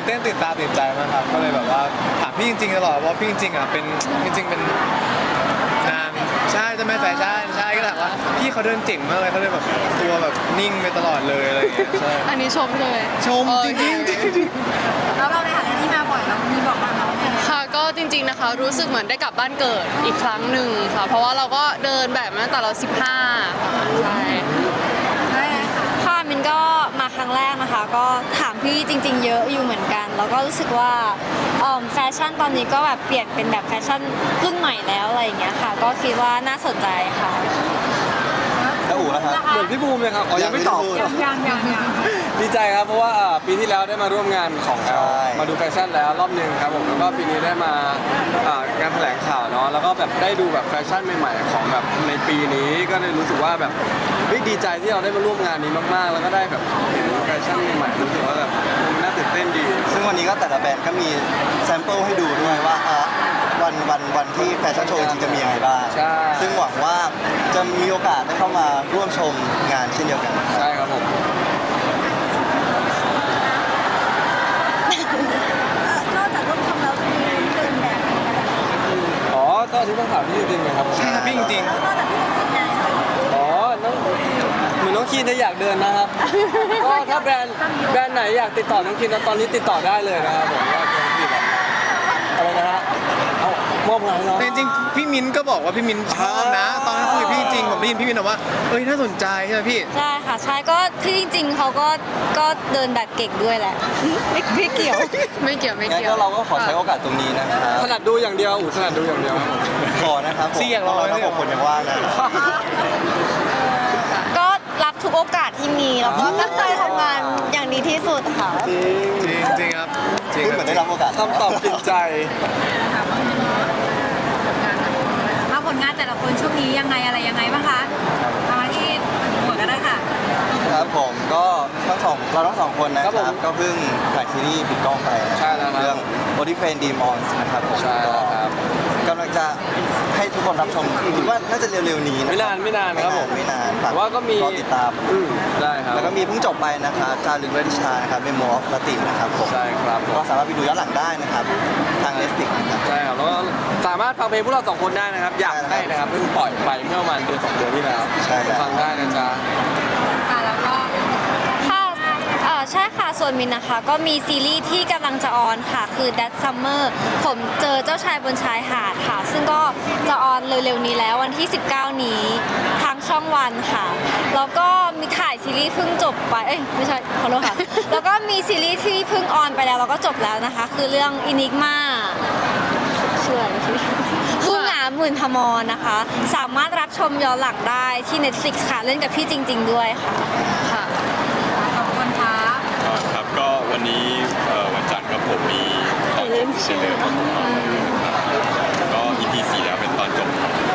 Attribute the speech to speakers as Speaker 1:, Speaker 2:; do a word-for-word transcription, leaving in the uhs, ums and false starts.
Speaker 1: เต้นตื่นตาตื่นใจมากครับก็เลยแบบว่าถามพี่จริงๆตลอดว่าพี่จริงๆอ่ะเป็นจริงๆเป็นนางใช่ใช่ไหมแฟชั่นใช่ก็ถามว่าพี่เขาเดินเจ๋งมากเลยเขาเลยแบบตัวแบบนิ่งไปตลอดเลยอะไรอย่างเงี้ยใช่
Speaker 2: อันนี้ชมเลย
Speaker 1: ชมจริงๆจริง
Speaker 3: แล้วเราในฐานะที่มาบ่อยเรามีบอกมาเราไง
Speaker 2: ค่ะก็จริงๆนะคะรู้สึกเหมือนได้กลับบ้านเกิดอีกครั้งหนึ่งค่ะ เพราะว่าเราก็เดินแบบมาตั้งแต่เราสิบห้าค่ะใช่
Speaker 3: ได้ค่ะ
Speaker 4: ค่ะมินก็มาครั้งแรกนะคะก็ถามพี่จริง ๆ เยอะอยู่เหมือนกัน แล้วก็รู้สึกว่าเอิ่มแฟชั่นตอนนี้ก็แบบเปลี่ยนเป็นแบบแฟชั่นรุ่นใหม่แล้วอะไรอย่างเงี้ยค่ะ ก็คิดว่าน่าสนใจค่ะ
Speaker 5: แล้วอู๋นะครับ
Speaker 6: เหมือนพี่บูมเลยครับอ๋อยังไม่ตอบ
Speaker 3: ยังยังยังยัง
Speaker 6: ดีใจครับเพราะว่าอ่าปีที่แล้วได้มาร่วมงานของแอล
Speaker 5: ใช่
Speaker 6: มาดูแฟชั่นแล้วรอบหนึงครับผมแล้วก็ปีนี้ได้มาอ่างานแถลงข่าวเนาะแล้วก็แบบได้ดูแบบแฟชั่นใหม่ๆของแบบในปีนี้ก็เลยรู้สึกว่าแบบเฮ้ยดีใจที่เราได้มาร่วมงานนี้มากๆ แล้วก็ได้แบบเห็นแฟชั่นใหม่ๆรู้สึกว่าแบบมันน่าตื่นเต้นดี
Speaker 5: ซึ่งวันนี้ก็แต่ละแบรนด์ก็มีแซมเปิลให้ดูด้วยว่าอ่ะวันวันวันที่แฟชั่นโชว์จริงๆจะมียังไงบ้าง
Speaker 6: ใช่
Speaker 5: ซึ่งหวังว่าจะมีโอกาสได้เข้ามาร่วมชมงานเช่นเดียวกันนะครับ
Speaker 6: ใช่ครับผม
Speaker 3: นอกจากร่วมชมแล้วจะมีเดินแบบ
Speaker 6: อ๋อก็ที่ต้องถามพี่จริงๆเลยครับ
Speaker 1: ๆใช่ครับพี่จริง
Speaker 3: แล้วนอกจากที่เราจัดงาน
Speaker 6: อ๋อน้องเหมือนน้องคีนจะอยากเดินนะครับ ก็ถ้าแบรนด์แบรนด์ไหนอยากติดต่อน้องคีนตอนนี้ติดต่อได้เลยนะครับผมว่าน้องคีนแบบอะไรนะฮะเอามอบงานให้น้อง
Speaker 1: ๆแต่จริงๆพี่มิ้นก็บอกว่าพี่มิ้นชอบนะ ตอนนั้นคุยกับพี่จริงผมได้ยินพี่มิ้นบอกว่าเอ้ยน่าสนใจใช่ไหมพี่
Speaker 4: ใช่ค่ะใช่ก็ที่จริง ๆเขาก็ก็เดินแบบเก่งด้วยแหละ ไม่ไม่เกี่ยว
Speaker 2: ไม่เกี่ยวไม่
Speaker 5: งั้น
Speaker 2: เกี่ยว
Speaker 5: ก็เราก็ขอใช้โอกาสตรงนี้นะครับ
Speaker 6: ถนัดดูอย่างเดียวอู๋ถนัดดูอย่างเดียวครับผม
Speaker 5: ขอนะครับผม
Speaker 1: ซี่อยากลอง
Speaker 5: เรา
Speaker 1: ไหม
Speaker 5: ทั้งหกคนยังว่างนะ
Speaker 4: ก็รับทุกโอกาสที่มีแล้วก็ตั้งใจทำงานอย่างดีที่สุดค่ะ
Speaker 6: จริง
Speaker 1: จริงจริงครับจริง
Speaker 5: พูด
Speaker 1: ค
Speaker 5: เหมื
Speaker 1: รั
Speaker 5: อบ นได้รับโอกาส
Speaker 6: คำตอบติดใจ
Speaker 3: มาผลงานแต่ละคนช่วงนี้ยังไงอะไรยังไงบ้างคะมาที่หัวก็ได้ค่ะ
Speaker 5: ครับผมก็ทั้งสองเราทั้งสองคนนะค
Speaker 6: ครั
Speaker 5: รั
Speaker 6: บบ ผม
Speaker 5: ก็เพิ่งถ่ายซีรีส์ปิดกล้องไปนะ
Speaker 6: ใช่แล้วครับ
Speaker 5: เรื่อง Body f r i e n d Demons นะครับผม
Speaker 6: ใช่แล้วครับ
Speaker 5: ก็กำลังจะให้ทุกคนรับชมคิดว่าน่าจะเร็วๆนี้ะ
Speaker 6: ไม่นานไม่นานครับผม
Speaker 5: ไม่นานฝาก
Speaker 6: แต่ว่าก็มี
Speaker 5: รอติดตาม
Speaker 6: อืมได้ครับ
Speaker 5: แล้วก็มีเพิ่งจบไปนะครับจารึกเวทิชานะครับเมโมออฟลตินะครับผม
Speaker 6: ใช่ครับผม
Speaker 5: ก็สามารถไปดูย้อนหลังได้นะครับทาง Netflix นะครับ
Speaker 6: ใช่ครับแล้วก็สามารถฟังเพลงพวกเราสองคนได้นะครับ อยาก
Speaker 5: ใช่
Speaker 6: ให้
Speaker 5: ครับ
Speaker 6: นะครับเพิ่งปล่อยไปเมื่อประมาณเดือนสองเดือนที่แล้ว
Speaker 5: ใช่ครับ
Speaker 6: ฟังได้นะจ๊ะ
Speaker 3: ค่ะแล้วก็
Speaker 4: ค่ะเอ่อใช่ค่ะ ส่วนมินนะคะ ก็มีซีรีส์ที่กำลังจะออนค่ะ คือ That Summer ผมเจอเจ้าชายบนชายหาดค่ะ ซึ่งก็จะออนเร็วๆนี้แล้ววันที่ สิบเก้า นี้ทางช่องวันค่ะ แล้วก็มีถ่ายซีรีส์เพิ่งจบไป เอ้ยไม่ใช่ขอโทษค่ะ แล้วก็มีซีรีส์ที่เพิ่งออนไปแล้วแล้วก็จบแล้วนะคะ คือเรื่อง Enigma ชื่ออะไรชื่อผู้หงาหมื่นพมรนะคะ สามารถรับชมย้อนหลังได้ที่ Netflix ค่ะ เล่นกับพี่จริง ๆ ด้วยค่ะ
Speaker 2: ค่ะ
Speaker 3: ขอบคุณค่ะ
Speaker 7: อ่าครับก็วันนี้เอ่อวันจันทร์ครับผมมีตอนจบเฉลยครับผมก็ อี พี สี่แล้วเป็นตอนจบครับ